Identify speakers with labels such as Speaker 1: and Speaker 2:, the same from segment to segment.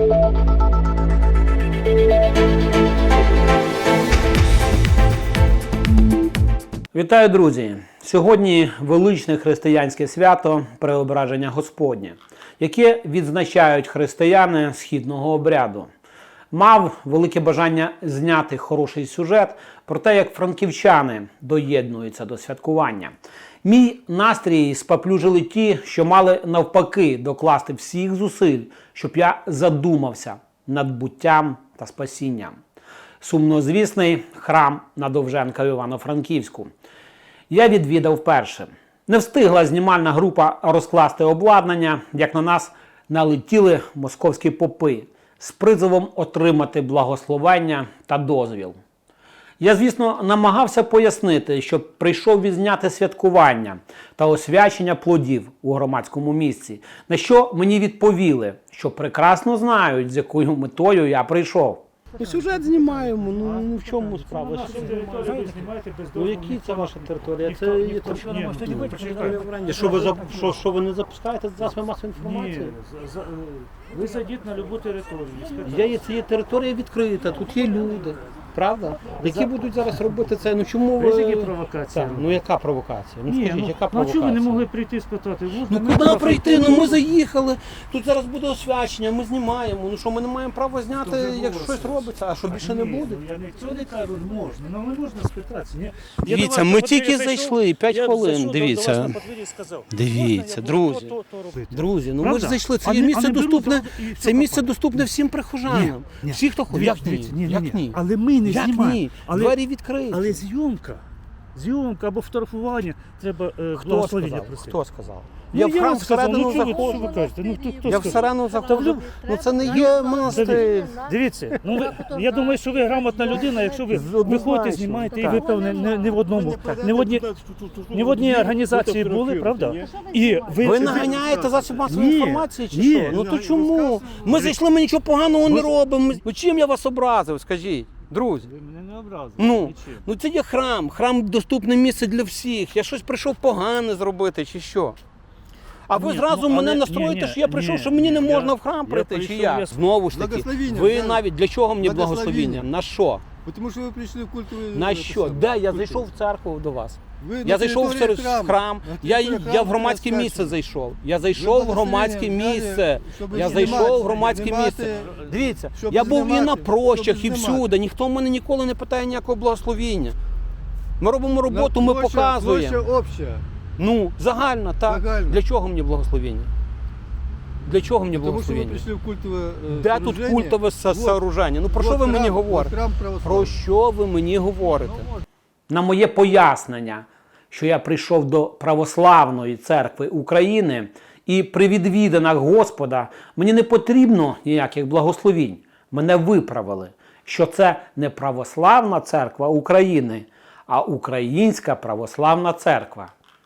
Speaker 1: Вітаю, друзі! Сьогодні величне християнське свято Преображення Господнє, яке відзначають християни східного обряду. Мав велике бажання зняти хороший сюжет про те, як франківчани доєднуються до святкування. Мій настрій споплюжили ті, що мали навпаки докласти всіх зусиль, щоб я задумався над буттям та спасінням. Сумнозвісний храм на Довженка в Івано-Франківську я відвідав першим. Не встигла знімальна група розкласти обладнання, як на нас налетіли московські попи з призовом отримати благословення та дозвіл. Я, звісно, намагався пояснити, що прийшов відзняти святкування та освячення плодів у громадському місці, на що мені відповіли, що прекрасно знають, з якою метою я прийшов. Сюжет знімаємо, ну в чому справа? Ну які це ваша територія? Це є територія. Що ви не запускаєте засоби масової інформації?
Speaker 2: Ні, ви зайдіть на будь-яку територію.
Speaker 1: Це є територія відкрита, тут є люди. Правда? Які будуть зараз робити це? Ну чому ви...
Speaker 2: Ви які провокації?
Speaker 1: Ну яка провокація? Ну скажіть, яка провокація?
Speaker 2: Ну чому ви не могли прийти і спитати?
Speaker 1: Ну куди прийти? Ну ми заїхали, тут зараз буде освячення, ми знімаємо. Ну що, ми не маємо права зняти, якщо щось робиться, а що більше не буде?
Speaker 2: Я цього не кажу, можна, але не можна спитатися.
Speaker 1: Дивіться, ми тільки зайшли, 5 хвилин, дивіться. Дивіться, друзі, ну ми ж зайшли, це місце доступне всім прихожанам. Всі, хто хоче. Як ні?
Speaker 2: Але ми не знімаємо.
Speaker 1: Двері відкриті.
Speaker 2: Але зйомка або фотографування треба благословення просити.
Speaker 1: Хто сказав?
Speaker 2: Я в храм всередину заходжу.
Speaker 1: Я всередину заходжу. Ну це не є монастир.
Speaker 2: Дивіться, я думаю, що ви грамотна людина, якщо ви виходите, знімаєте, і ви, певне, не в одній організації були, правда?
Speaker 1: Ви наганяєте засіб масової інформації чи що? Ну то чому? Ми зайшли, ми нічого поганого не робимо. Ну чим я вас образив, скажіть? Друзі,
Speaker 2: ви мене не образили.
Speaker 1: Ну це є храм доступне місце для всіх. Я щось прийшов погане зробити чи що? А ви зразу мене настроїте, що я прийшов, що мені не можна в храм прийти, чи як? Знову ж таки, ви навіть, для чого мені благословіння? На що?
Speaker 3: Тому що ви прийшли в культовий...
Speaker 1: На що? Де? Я зайшов в церкву до вас. Я зайшов в храм, я в громадське місце зайшов. Я зайшов в громадське місце. Дивіться, я був і на прощах, і всюди. Ніхто в мене ніколи не питає ніякого благословіння. Ми робимо роботу, ми показуємо. Ну, загально, так. Для чого мені благословіння? Для чого мені благословіння?
Speaker 3: Тому що ви прийшли в культове
Speaker 1: Де тут культове сооруження? Ну про що ви мені говорите? Про що ви мені говорите? На моє пояснення, що я прийшов до Православної церкви України і при відвідинах Господа, мені не потрібно ніяких благословінь. Мене виправили, що це не Православна церква України, а Українська Православна церква.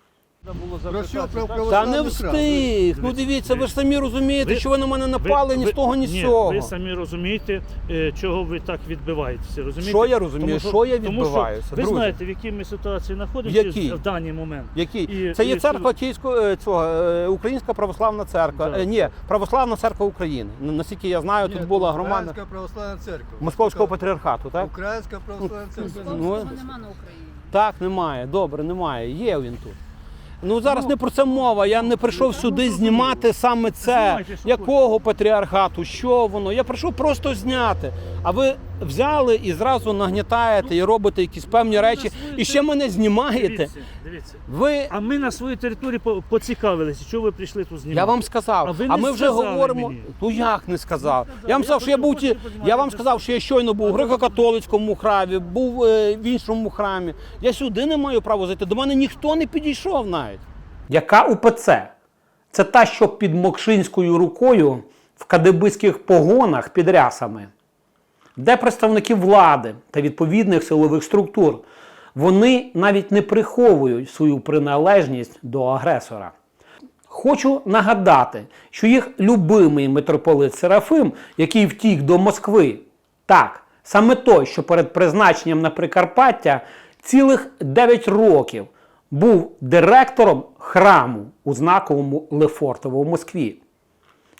Speaker 1: Та не встиг. Ну дивіться, ви ж самі розумієте, що ви на мене напали ні з того, ні з цього.
Speaker 2: Ви самі розумієте, чого ви так відбиваєтеся.
Speaker 1: Що я розумію, що я відбиваюся?
Speaker 2: Ви знаєте, в якій ми ситуації знаходимося в даний момент.
Speaker 1: Який? Це є церква Українська Православна Церква. Ні, Православна Церква України. Наскільки я знаю, тут була громада.
Speaker 3: Українська Православна Церква.
Speaker 1: Московського патріархату, так?
Speaker 3: Українська Православна Церква.
Speaker 4: Московського нема на Україні.
Speaker 1: Так, немає. Добре, немає. Є він тут. Ну зараз не про це мова, я не прийшов сюди знімати саме це, якого патріархату, що воно, я прийшов просто зняти, а ви взяли і зразу нагнітаєте і робите якісь певні речі, і ще мене знімаєте.
Speaker 2: Дивіться. А ми на своїй території поцікавилися, що ви прийшли тут знімати.
Speaker 1: Я вам сказав, а ми вже говоримо, ну як не сказав, я вам сказав, що я щойно був у греко-католицькому храмі, був в іншому храмі, я сюди не маю права зайти, до мене ніхто не підійшов навіть. Яка УПЦ? Це та, що під Мокшинською рукою в кадебицьких погонах під рясами. Де представники влади та відповідних силових структур? Вони навіть не приховують свою приналежність до агресора. Хочу нагадати, що їх любимий митрополит Серафим, який втік до Москви, так, саме той, що перед призначенням на Прикарпаття цілих 9 років був директором храму у знаковому Лефортово в Москві.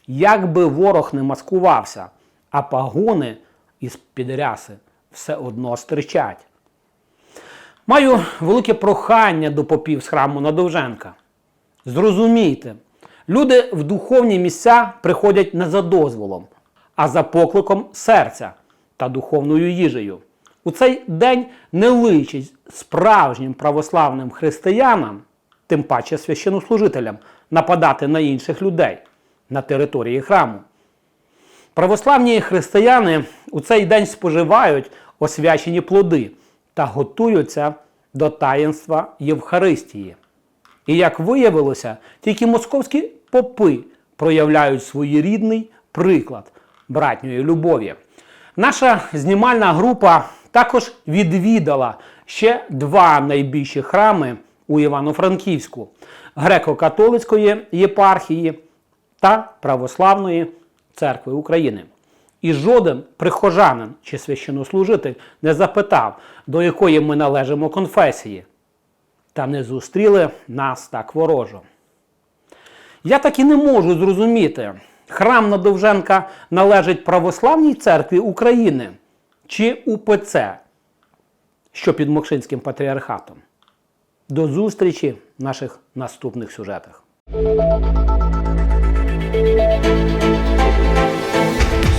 Speaker 1: Як би ворог не маскувався, а пагони із-під ряси все одно стирчать. Маю велике прохання до попів з храму на Довженка. Зрозумійте, люди в духовні місця приходять не за дозволом, а за покликом серця та духовною їжею. У цей день не личить справжнім православним християнам, тим паче священнослужителям, нападати на інших людей на території храму. Православні християни у цей день споживають освячені плоди та готуються до таїнства Євхаристії. І як виявилося, тільки московські попи проявляють своєрідний приклад братньої любові. Наша знімальна група також відвідала ще два найбільші храми у Івано-Франківську – Греко-католицької єпархії та Православної церкви України. І жоден прихожанин чи священнослужитель не запитав, до якої ми належимо конфесії. Та не зустріли нас так ворожо. Я так і не можу зрозуміти, храм на Довженка належить Православній церкві України чи УПЦ, що під Мокшинським патріархатом. До зустрічі в наших наступних сюжетах.